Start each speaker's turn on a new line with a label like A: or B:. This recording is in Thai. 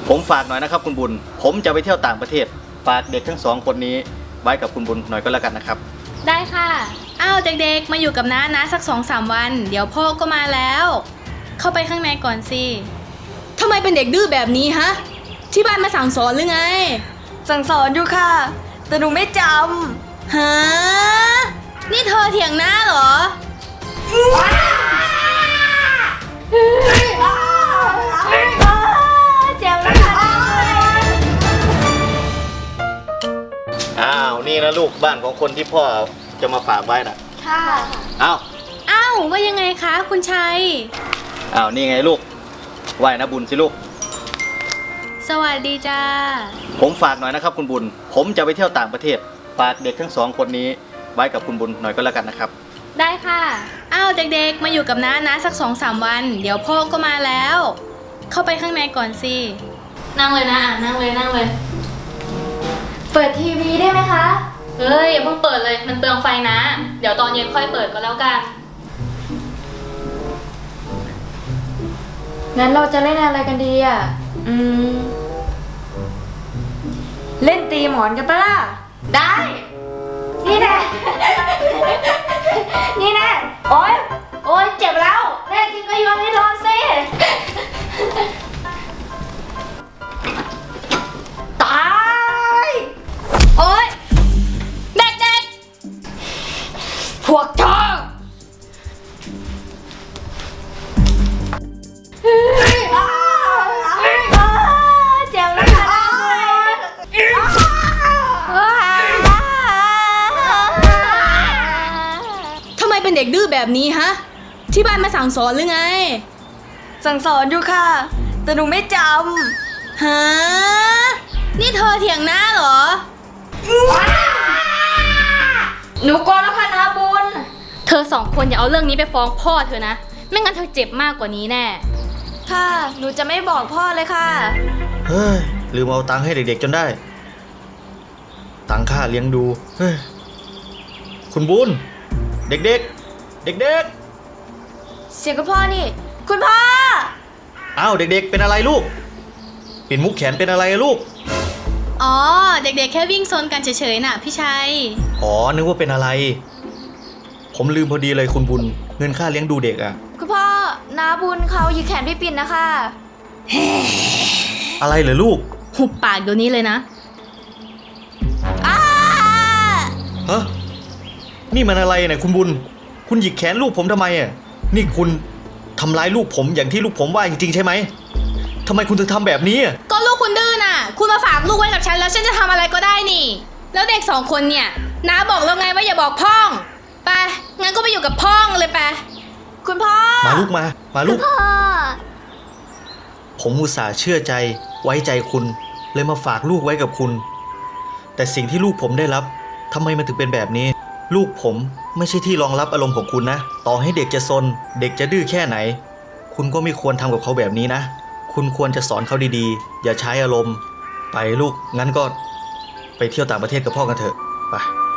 A: ผมฝากหน่อยนะครับคุณบุญผมจะไปเที่ยวต่างประเทศฝากเด็กทั้งสองคนนี้ไว้กับคุณบุญหน่อยก็แล้วกันนะครับ
B: ได้ค่ะอ้าวเด็กๆมาอยู่กับน้านะสัก 2-3 วันเดี๋ยวพ่อก็มาแล้วเข้าไปข้างในก่อนสิทำไมเป็นเด็กดื้อแบบนี้ฮะที่บ้านมาสั่งสอนหรือไง
C: สั่งสอนอยู่ค่ะแต่หนูไม่จำ
B: ฮะนี่เธอเถียงน้าเหรอ
C: เจ็บแล้วค่ะ
A: อ้าวนี่นะลูกบ้านของคนที่พ่อจะมาฝากไว้น่ะ
C: ค่ะ
A: อ้าว
B: ว่ายังไงคะคุณชัย
A: อ้าวนี่ไงลูกไหว้นะบุญสิลูก
B: สวัสดีจ้า
A: ผมฝากหน่อยนะครับคุณบุญผมจะไปเที่ยวต่างประเทศฝากเด็กทั้งสองคนนี้ไว้กับคุณบุญหน่อยก็แล้วกันนะครับ
B: ได้ค่ะอ้าวเด็กๆมาอยู่กับน้านะสัก 2-3 วันเดี๋ยวพ่อก็มาแล้วเข้าไปข้างในก่อนสินั่งเลยนะนั่งเลย
C: เปิดทีวีได้ไหมคะ
B: เฮ้ยอย่าเพิ่งเปิดเลยมันเปลืองไฟนะเดี๋ยวตอนเย็นค่อยเปิดก็แล้วกัน
C: งั้นเราจะเล่นอะไรกันดีอ่ะเล่นตีหมอนกันปะล่ะได้นี่แน่ นี่แน่โอ๊ยเจ็บแล้วแน่จริงก็โยนให้โดนสิตายโอ๊ยเด็กๆพวกเธอเจ็บแล้วค่ะ
B: ทำไมเป็นเด็กดื้อแบบนี้ฮะที่บ้านมาสั่งสอนหรือไง
C: สั่งสอนอยู่ค่ะแต่หนูไม่จ
B: ำฮะนี่เธอเถียงน้าเหรอ
C: หนูกลัวแล้วค่ะนาบุญ
B: เธอ2 คนอย่าเอาเรื่องนี้ไปฟ้องพ่อเธอนะไม่งั้นเธอเจ็บมากกว่านี้แน่
C: ค่ะหนูจะไม่บอกพ่อเลยค่ะ
A: เฮ้ยลืมเอาตังค์ให้เด็กๆจนได้ตังค่าเลี้ยงดูเฮ้ยคุณบุญเด็กๆเด็ก
C: เสียงคุณพ่อนี่คุณพ่อ
A: อ้าวเด็กๆเป็นอะไรลูกปิ่นมุกแขนเป็นอะไรลูก
B: อ๋อเด็กๆแค่วิ่งซนกันเฉยๆน่ะพี่ชัย
A: อ๋อนึกว่าเป็นอะไรผมลืมพอดีเลยคุณบุญเงินค่าเลี้ยงดูเด็กอ่ะ
C: คุณพ่อนาบุญเขาหยิกแขนพี่ปิ่นนะคะ
A: อะไรเหรอลูก
B: หุบปากเดี๋ยวนี้เลยนะ
A: ฮะนี่มันอะไรเนี่ยคุณบุญคุณหยิกแขนลูกผมทำไมอ่ะนี่คุณทำร้ายลูกผมอย่างที่ลูกผมว่าจริงๆใช่ไหมทำไมคุณถึงทำแบบนี้
B: ก็ลูกคุณดื้อน่ะคุณมาฝากลูกไว้กับฉันแล้วฉันจะทำอะไรก็ได้นี่แล้วเด็ก2 คนเนี่ยน้าบอกแล้วไงว่าอย่าบอกพ่องไปงั้นก็ไปอยู่กับพ่องเลยไป
C: คุณพ่อ
A: มาลูกมาลูก
C: พ่อ
A: ผมอุตส่าห์เชื่อใจไว้ใจคุณเลยมาฝากลูกไว้กับคุณแต่สิ่งที่ลูกผมได้รับทำไมมันถึงเป็นแบบนี้ลูกผมไม่ใช่ที่รองรับอารมณ์ของคุณนะต่อให้เด็กจะซนเด็กจะดื้อแค่ไหนคุณก็ไม่ควรทำกับเขาแบบนี้นะคุณควรจะสอนเขาดีๆอย่าใช้อารมณ์ไปลูกงั้นก็ไปเที่ยวต่างประเทศกับพ่อกันเถอะไป